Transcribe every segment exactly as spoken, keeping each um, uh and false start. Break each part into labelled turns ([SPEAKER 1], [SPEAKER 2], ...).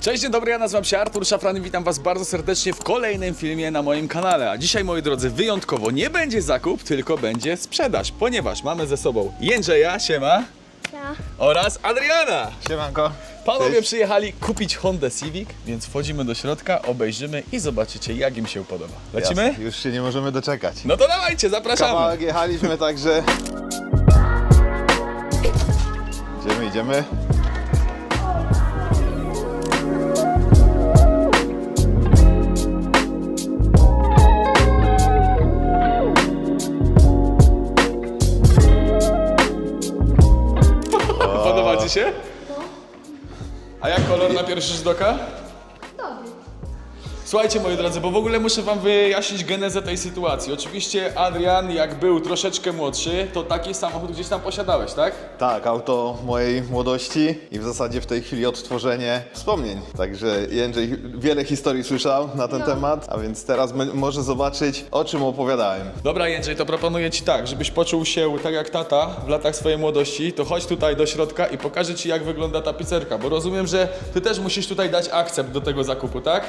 [SPEAKER 1] Cześć, dzień dobry, ja nazywam się Artur Szafran i witam was bardzo serdecznie w kolejnym filmie na moim kanale. A dzisiaj, moi drodzy, wyjątkowo nie będzie zakup, tylko będzie sprzedaż, ponieważ mamy ze sobą Jędrzeja, siema,
[SPEAKER 2] Ja.
[SPEAKER 1] oraz Adriana.
[SPEAKER 3] Siemanko.
[SPEAKER 1] Panowie
[SPEAKER 3] Cześć.
[SPEAKER 1] przyjechali kupić Hondę Civic, więc wchodzimy do środka, obejrzymy i zobaczycie, jak im się podoba. Lecimy?
[SPEAKER 3] Jasne, już się nie możemy doczekać.
[SPEAKER 1] No to dawajcie, zapraszamy.
[SPEAKER 3] Kawałek jechaliśmy, także... Idziemy, idziemy.
[SPEAKER 1] Podoba ci się? A jak kolor na pierwszy rzut oka?
[SPEAKER 2] Dobry.
[SPEAKER 1] Słuchajcie, moi drodzy, bo w ogóle muszę wam wyjaśnić genezę tej sytuacji. Oczywiście Adrian, jak był troszeczkę młodszy, to taki samochód gdzieś tam posiadałeś, tak?
[SPEAKER 3] Tak, auto mojej młodości i w zasadzie w tej chwili odtworzenie wspomnień. Także Jędrzej wiele historii słyszał na ten
[SPEAKER 2] No.
[SPEAKER 3] temat, a więc teraz m- może zobaczyć, o czym opowiadałem.
[SPEAKER 1] Dobra, Jędrzej, to proponuję ci tak, żebyś poczuł się tak jak tata w latach swojej młodości, to chodź tutaj do środka i pokażę ci, jak wygląda tapicerka, bo rozumiem, że ty też musisz tutaj dać akcept do tego zakupu, tak?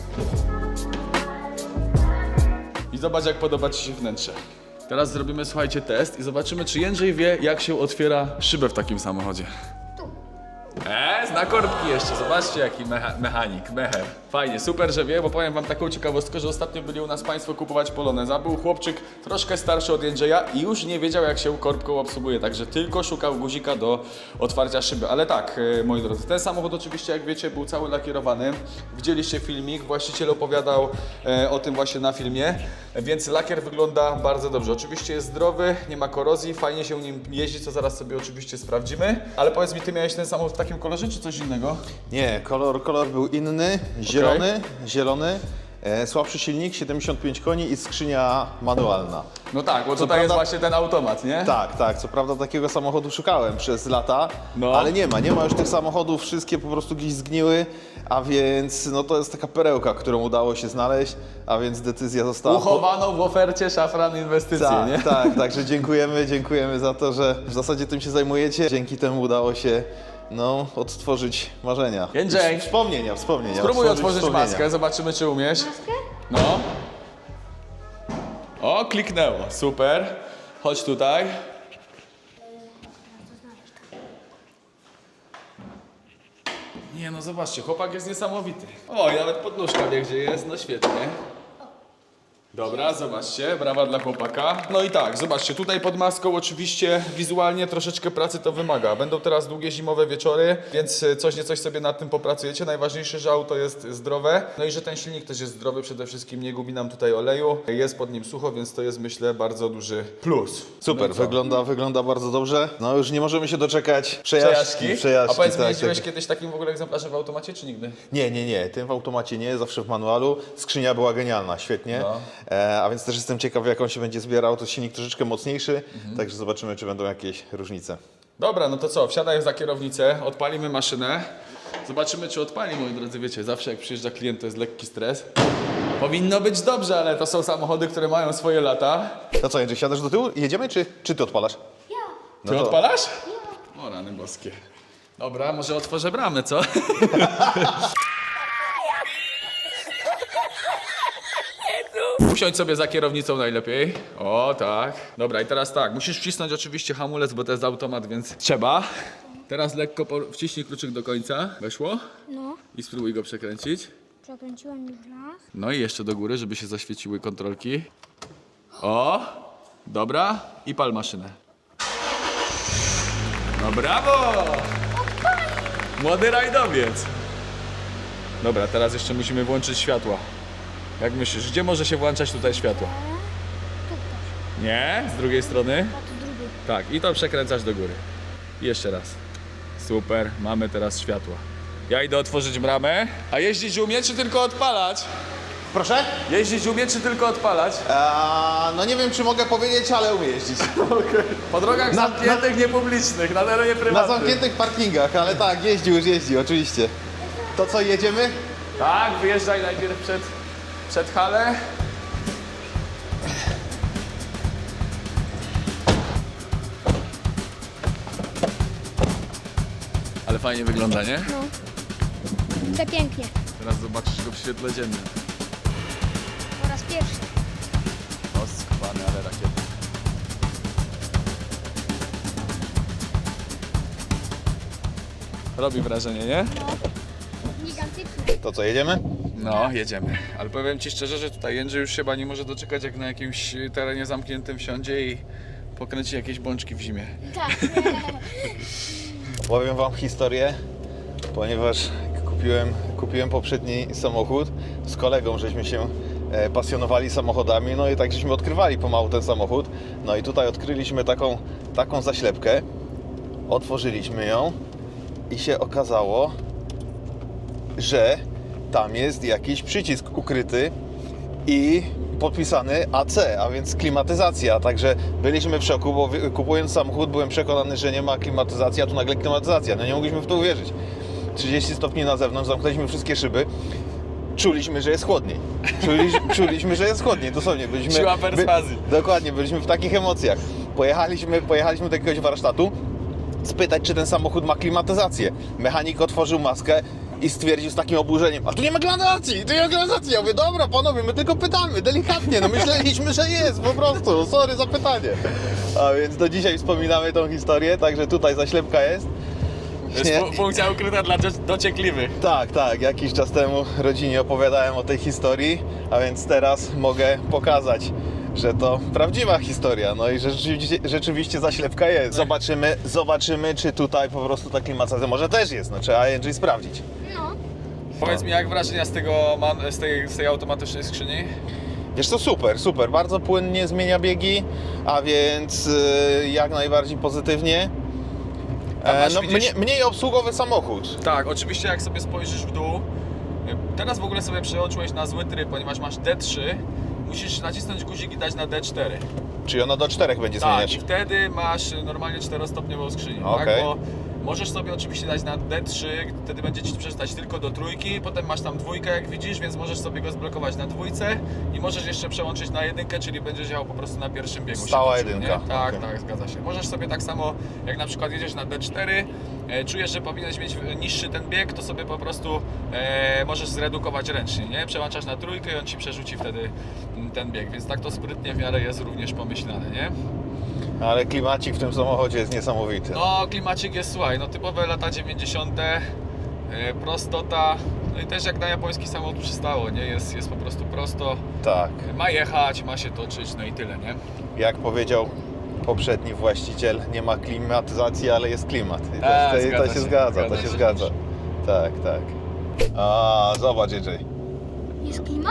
[SPEAKER 1] I zobacz, jak podoba ci się wnętrze. Teraz zrobimy, słuchajcie, test i zobaczymy, czy Jędrzej wie, jak się otwiera szybę w takim samochodzie.
[SPEAKER 2] Tu.
[SPEAKER 1] Eee, zna korbki jeszcze, zobaczcie jaki mecha mechanik, mecher. Fajnie, super, że wie, bo powiem wam taką ciekawostkę, że ostatnio byli u nas państwo kupować Poloneza. Był chłopczyk troszkę starszy od Jędrzeja i już nie wiedział, jak się korbką obsługuje, także tylko szukał guzika do otwarcia szyby. Ale tak, e, moi drodzy, ten samochód oczywiście, jak wiecie, był cały lakierowany. Widzieliście filmik, właściciel opowiadał e, o tym właśnie na filmie, więc lakier wygląda bardzo dobrze. Oczywiście jest zdrowy, nie ma korozji, fajnie się nim jeździ, co zaraz sobie oczywiście sprawdzimy. Ale powiedz mi, ty miałeś ten samochód w takim kolorze, czy coś innego?
[SPEAKER 3] Nie, kolor, kolor był inny, zielony, zielony, e, słabszy silnik, siedemdziesiąt pięć koni i skrzynia manualna.
[SPEAKER 1] No tak, bo
[SPEAKER 3] Co
[SPEAKER 1] tutaj jest
[SPEAKER 3] prawda-
[SPEAKER 1] właśnie ten automat, nie?
[SPEAKER 3] Tak, tak, co prawda takiego samochodu szukałem przez lata,
[SPEAKER 1] No.
[SPEAKER 3] ale nie ma, nie ma już tych samochodów, wszystkie po prostu gdzieś zgniły, a więc no to jest taka perełka, którą udało się znaleźć, a więc decyzja została...
[SPEAKER 1] Uchowano w ofercie Szafran Inwestycje,
[SPEAKER 3] Tak,
[SPEAKER 1] nie?
[SPEAKER 3] tak, także dziękujemy, dziękujemy za to, że w zasadzie tym się zajmujecie. Dzięki temu udało się, no, odtworzyć marzenia.
[SPEAKER 1] Jędrzej.
[SPEAKER 3] Wspomnienia, wspomnienia.
[SPEAKER 1] Spróbuj otworzyć
[SPEAKER 3] wspomnienia.
[SPEAKER 1] maskę, zobaczymy, czy umiesz.
[SPEAKER 2] Maskę?
[SPEAKER 1] No. O, kliknęło, super. Chodź tutaj. Nie no, zobaczcie, chłopak jest niesamowity. O, i nawet podnóżka wie, gdzie jest, no świetnie. Dobra, zobaczcie, brawa dla chłopaka. No i tak, zobaczcie, tutaj pod maską oczywiście wizualnie troszeczkę pracy to wymaga. Będą teraz długie zimowe wieczory, więc coś nie coś sobie nad tym popracujecie. Najważniejsze, że auto jest zdrowe, no i że ten silnik też jest zdrowy, przede wszystkim nie gubi nam tutaj oleju. Jest pod nim sucho, więc to jest, myślę, bardzo duży plus.
[SPEAKER 3] Super,
[SPEAKER 1] No i co?
[SPEAKER 3] wygląda, wygląda bardzo dobrze. No już nie możemy się doczekać przejażdżki.
[SPEAKER 1] Przejażdżki? A powiedz mi,
[SPEAKER 3] tak,
[SPEAKER 1] jeździłeś
[SPEAKER 3] tak.
[SPEAKER 1] kiedyś takim w ogóle egzemplarzem w automacie, czy nigdy?
[SPEAKER 3] Nie, nie, nie, tym w automacie nie, zawsze w manualu. Skrzynia była genialna, świetnie.
[SPEAKER 1] No.
[SPEAKER 3] E, a więc też jestem ciekaw, jak on się będzie zbierał. To silnik troszeczkę mocniejszy,
[SPEAKER 1] Mhm.
[SPEAKER 3] także zobaczymy, czy będą jakieś różnice.
[SPEAKER 1] Dobra, no to co, wsiadaj za kierownicę, odpalimy maszynę. Zobaczymy, czy odpali, moi drodzy, wiecie, zawsze jak przyjeżdża klient, to jest lekki stres. Powinno być dobrze, ale to są samochody, które mają swoje lata.
[SPEAKER 3] No co, Jędrzej, siadasz do tyłu i jedziemy, czy, czy ty odpalasz?
[SPEAKER 2] Ja.
[SPEAKER 3] No
[SPEAKER 1] Ty
[SPEAKER 3] to-
[SPEAKER 1] odpalasz? O, rany boskie. Dobra, może otworzę bramę, co? Usiądź sobie za kierownicą najlepiej. O, tak. Dobra, i teraz tak, musisz wcisnąć oczywiście hamulec, bo to jest automat, więc trzeba. Teraz lekko po- wciśnij kluczyk do końca. Weszło?
[SPEAKER 2] No.
[SPEAKER 1] I spróbuj go przekręcić.
[SPEAKER 2] Przekręciłem już raz.
[SPEAKER 1] No i jeszcze do góry, żeby się zaświeciły kontrolki. O! Dobra. I pal maszynę. No brawo! Młody rajdowiec. Dobra, teraz jeszcze musimy włączyć światła. Jak myślisz, gdzie może się włączać tutaj światło?
[SPEAKER 2] Tu też.
[SPEAKER 1] Nie? Z drugiej strony?
[SPEAKER 2] A tu drugi.
[SPEAKER 1] Tak, i to przekręcasz do góry. I jeszcze raz. Super, mamy teraz światła. Ja idę otworzyć bramę. A jeździć umie, czy tylko odpalać?
[SPEAKER 3] Proszę?
[SPEAKER 1] Jeździć umie, czy tylko odpalać?
[SPEAKER 3] Eee, no nie wiem, czy mogę powiedzieć, ale umiem jeździć.
[SPEAKER 1] Po drogach
[SPEAKER 3] Na-
[SPEAKER 1] zamkniętych, niepublicznych, na terenie
[SPEAKER 3] Na
[SPEAKER 1] prywatnym.
[SPEAKER 3] zamkniętych parkingach, ale tak, jeździ, już jeździ, oczywiście. To co, jedziemy?
[SPEAKER 1] Tak, wyjeżdżaj najpierw przed, przed halę. Ale fajnie wygląda, nie?
[SPEAKER 2] No. Przepięknie.
[SPEAKER 1] Teraz zobaczysz go w świetle dziennym.
[SPEAKER 2] Po raz pierwszy.
[SPEAKER 1] O, skwany, ale rakiety. Robi wrażenie, nie?
[SPEAKER 2] Gigantyczny.
[SPEAKER 3] To co, jedziemy?
[SPEAKER 1] No, jedziemy. Ale powiem Ci szczerze, że tutaj Jędrzej już chyba nie może doczekać, jak na jakimś terenie zamkniętym wsiądzie i pokręci jakieś bączki w zimie.
[SPEAKER 2] Tak.
[SPEAKER 3] Powiem wam historię, ponieważ kupiłem, kupiłem poprzedni samochód z kolegą, żeśmy się e, pasjonowali samochodami, no i tak żeśmy odkrywali pomału ten samochód. No i tutaj odkryliśmy taką, taką zaślepkę, otworzyliśmy ją i się okazało, że tam jest jakiś przycisk ukryty i podpisany A C, a więc klimatyzacja. Także byliśmy w szoku, bo wy- kupując samochód byłem przekonany, że nie ma klimatyzacji, a tu nagle klimatyzacja. No nie mogliśmy w to uwierzyć. trzydzieści stopni na zewnątrz, zamknęliśmy wszystkie szyby. Czuliśmy, że jest chłodniej. Czuliśmy, czuliśmy że jest chłodniej, dosłownie. Byliśmy,
[SPEAKER 1] Siła perswazji.
[SPEAKER 3] By, dokładnie, byliśmy w takich emocjach. Pojechaliśmy, pojechaliśmy do jakiegoś warsztatu spytać, czy ten samochód ma klimatyzację. Mechanik otworzył maskę i stwierdził z takim oburzeniem: a tu nie ma klimatyzacji, tu nie ma klimatyzacji. Ja mówię: dobra panowie, my tylko pytamy, delikatnie, no myśleliśmy, że jest, po prostu, sorry za pytanie. A więc do dzisiaj wspominamy tą historię, także tutaj zaślepka jest.
[SPEAKER 1] To jest
[SPEAKER 3] Nie?
[SPEAKER 1] fu- funkcja ukryta dla dzo- dociekliwych.
[SPEAKER 3] Tak, tak, jakiś czas temu rodzinie opowiadałem o tej historii, a więc teraz mogę pokazać, że to prawdziwa historia, no i że rzeczywiście, rzeczywiście zaślepka jest. Zobaczymy, zobaczymy, czy tutaj po prostu ta klimatyzacja może też jest, no trzeba Jędrzej sprawdzić.
[SPEAKER 2] No.
[SPEAKER 1] Powiedz mi, jak wrażenia z tego man- z tej, z tej automatycznej skrzyni?
[SPEAKER 3] Wiesz co, super, super, bardzo płynnie zmienia biegi, a więc yy, jak najbardziej pozytywnie.
[SPEAKER 1] Tam
[SPEAKER 3] E,
[SPEAKER 1] masz,
[SPEAKER 3] no,
[SPEAKER 1] widzisz-
[SPEAKER 3] mniej, mniej obsługowy samochód.
[SPEAKER 1] Tak, oczywiście jak sobie spojrzysz w dół, teraz w ogóle sobie przeoczyłeś na zły tryb, ponieważ masz D trzy, musisz nacisnąć guzik i dać na D cztery.
[SPEAKER 3] Czyli ono do czterech będzie
[SPEAKER 1] Tak,
[SPEAKER 3] zmieniać.
[SPEAKER 1] i wtedy masz normalnie czterostopniową skrzynię,
[SPEAKER 3] Okej.
[SPEAKER 1] tak? Bo możesz sobie oczywiście dać na D trzy, wtedy będzie Ci przeczytać tylko do trójki, potem masz tam dwójkę, jak widzisz, więc możesz sobie go zblokować na dwójce i możesz jeszcze przełączyć na jedynkę, czyli będziesz jechał po prostu na pierwszym biegu. się
[SPEAKER 3] Stała
[SPEAKER 1] toczył,
[SPEAKER 3] jedynka.
[SPEAKER 1] Nie? Tak,
[SPEAKER 3] Okej.
[SPEAKER 1] tak, zgadza się. Możesz sobie tak samo, jak na przykład jedziesz na D cztery, e, czujesz, że powinieneś mieć niższy ten bieg, to sobie po prostu e, możesz zredukować ręcznie, nie? Przełączasz na trójkę i on Ci przerzuci wtedy mm, ten bieg, więc tak to sprytnie w miarę jest również pomyślane, nie?
[SPEAKER 3] Ale klimacik w tym samochodzie jest niesamowity.
[SPEAKER 1] No, klimacik jest, słuchaj, no typowe lata dziewięćdziesiąte, yy, prostota, no i też jak na japoński samochód przystało, nie? Jest, jest po prostu prosto,
[SPEAKER 3] Tak.
[SPEAKER 1] ma jechać, ma się toczyć, no i tyle, nie?
[SPEAKER 3] Jak powiedział poprzedni właściciel, nie ma klimatyzacji, ale jest klimat. I to,
[SPEAKER 1] Tak,
[SPEAKER 3] to,
[SPEAKER 1] zgadza
[SPEAKER 3] to się
[SPEAKER 1] się,
[SPEAKER 3] zgadza,
[SPEAKER 1] zgadza
[SPEAKER 3] to się
[SPEAKER 1] się.
[SPEAKER 3] zgadza. Tak, tak. A, zobacz, Jędrzej.
[SPEAKER 2] Jest klima?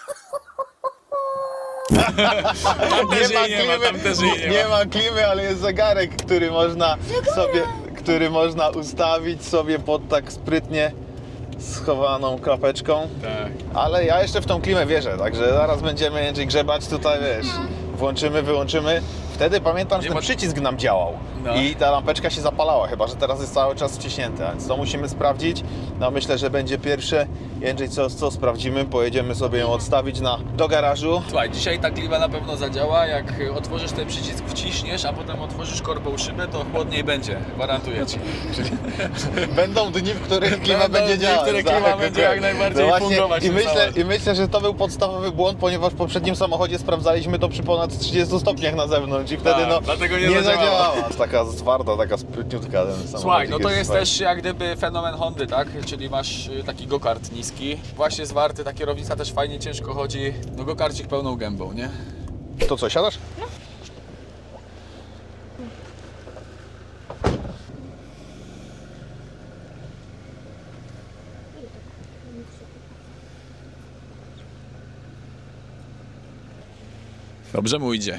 [SPEAKER 1] Tam też jej nie ma, tam też jej nie
[SPEAKER 3] nie
[SPEAKER 1] ma.
[SPEAKER 3] ma klimy, ale jest zegarek, który można sobie, który można ustawić sobie pod tak sprytnie schowaną klapeczką.
[SPEAKER 1] Tak.
[SPEAKER 3] Ale ja jeszcze w tą klimę wierzę, także zaraz będziemy Jędrzej grzebać tutaj, wiesz, włączymy, wyłączymy. Wtedy pamiętam, że
[SPEAKER 1] Nie
[SPEAKER 3] ten
[SPEAKER 1] ma-
[SPEAKER 3] przycisk nam działał
[SPEAKER 1] No.
[SPEAKER 3] i ta lampeczka się zapalała, chyba że teraz jest cały czas wciśnięta, więc to musimy sprawdzić. No myślę, że będzie pierwsze. Jędrzej, co, co sprawdzimy? Pojedziemy sobie ją odstawić na, do garażu.
[SPEAKER 1] Słuchaj, dzisiaj ta klima na pewno zadziała, jak otworzysz ten przycisk, wciśniesz, a potem otworzysz korbą szybę, to chłodniej będzie, gwarantuję Ci.
[SPEAKER 3] Będą dni, w których klima
[SPEAKER 1] Będą
[SPEAKER 3] będzie
[SPEAKER 1] dni, w
[SPEAKER 3] działać.
[SPEAKER 1] których klima będzie jak najbardziej
[SPEAKER 3] no właśnie,
[SPEAKER 1] fungować
[SPEAKER 3] i
[SPEAKER 1] tym
[SPEAKER 3] myślę,
[SPEAKER 1] samochodem.
[SPEAKER 3] I myślę, że to był podstawowy błąd, ponieważ w poprzednim samochodzie sprawdzaliśmy to przy ponad trzydziestu stopniach na zewnątrz i wtedy
[SPEAKER 1] Tak,
[SPEAKER 3] no
[SPEAKER 1] dlatego nie
[SPEAKER 3] nie
[SPEAKER 1] zadziałała.
[SPEAKER 3] zadziałała. Taka twarda, taka sprytniutka ten samochód.
[SPEAKER 1] Słuchaj, no to jest też jak gdyby fenomen Hondy, tak? Czyli masz y, taki go-kart niski, właśnie zwarty, ta kierownica też fajnie ciężko chodzi, no go-karcik pełną gębą, nie?
[SPEAKER 3] To co, siadasz?
[SPEAKER 1] Dobrze mu idzie.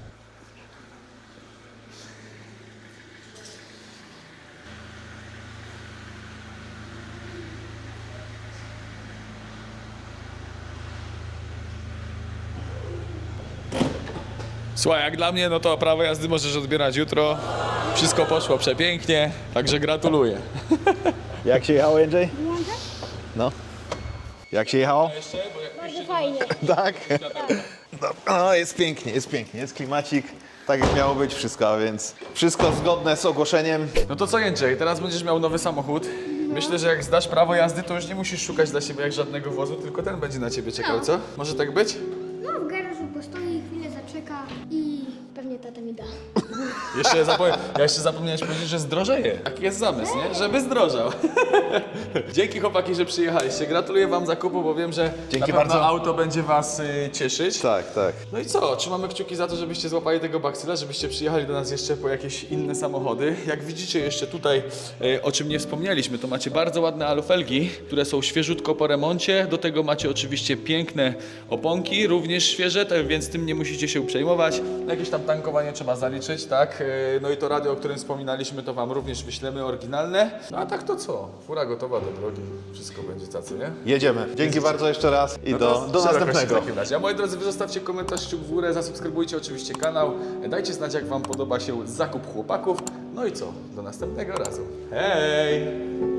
[SPEAKER 1] Słuchaj, jak dla mnie, no to prawo jazdy możesz odbierać jutro. Wszystko poszło przepięknie, także gratuluję.
[SPEAKER 3] Jak się jechało, Jędrzej?
[SPEAKER 2] Włączę?
[SPEAKER 3] No. Jak się jechało?
[SPEAKER 2] Bardzo fajnie.
[SPEAKER 3] Tak. No, jest pięknie, jest pięknie, jest klimacik. Tak jak miało być wszystko, a więc wszystko zgodne z ogłoszeniem.
[SPEAKER 1] No to co, Jędrzej, teraz będziesz miał nowy samochód. Myślę, że jak zdasz prawo jazdy, to już nie musisz szukać dla siebie jak żadnego wozu, tylko ten będzie na ciebie czekał,
[SPEAKER 2] No.
[SPEAKER 1] co? Może tak być?
[SPEAKER 2] No, w garażu postoi, chwilę zaczeka i pewnie tata mi da.
[SPEAKER 1] Jeszcze zapomniałem, ja jeszcze zapomniałeś powiedzieć, że zdrożeje. Taki jest zamysł, nie? Żeby zdrożał. Dzięki chłopaki, że przyjechaliście. Gratuluję wam zakupu, bo wiem, że
[SPEAKER 3] Dzięki
[SPEAKER 1] na pewno
[SPEAKER 3] bardzo.
[SPEAKER 1] auto będzie was y, cieszyć.
[SPEAKER 3] Tak, tak.
[SPEAKER 1] No i co? Trzymamy kciuki za to, żebyście złapali tego baksyla, żebyście przyjechali do nas jeszcze po jakieś inne samochody. Jak widzicie jeszcze tutaj, e, o czym nie wspomnieliśmy, to macie bardzo ładne alufelgi, które są świeżutko po remoncie. Do tego macie oczywiście piękne oponki, również świeże, tak więc tym nie musicie się przejmować. Jakieś tam tankowanie trzeba zaliczyć, tak? E, no i to radio, o którym wspominaliśmy, to wam również wyślemy, oryginalne. No a tak to co? Fura gotowa do drogi. Wszystko będzie cacy, nie?
[SPEAKER 3] Jedziemy. Dzięki bardzo jeszcze raz i
[SPEAKER 1] No
[SPEAKER 3] do,
[SPEAKER 1] to
[SPEAKER 3] do
[SPEAKER 1] szerokości
[SPEAKER 3] następnego.
[SPEAKER 1] w takim razie. A moi drodzy, wy zostawcie komentarz, kciuk w górę, zasubskrybujcie oczywiście kanał, dajcie znać jak wam podoba się zakup chłopaków. No i co? Do następnego razu. Hej!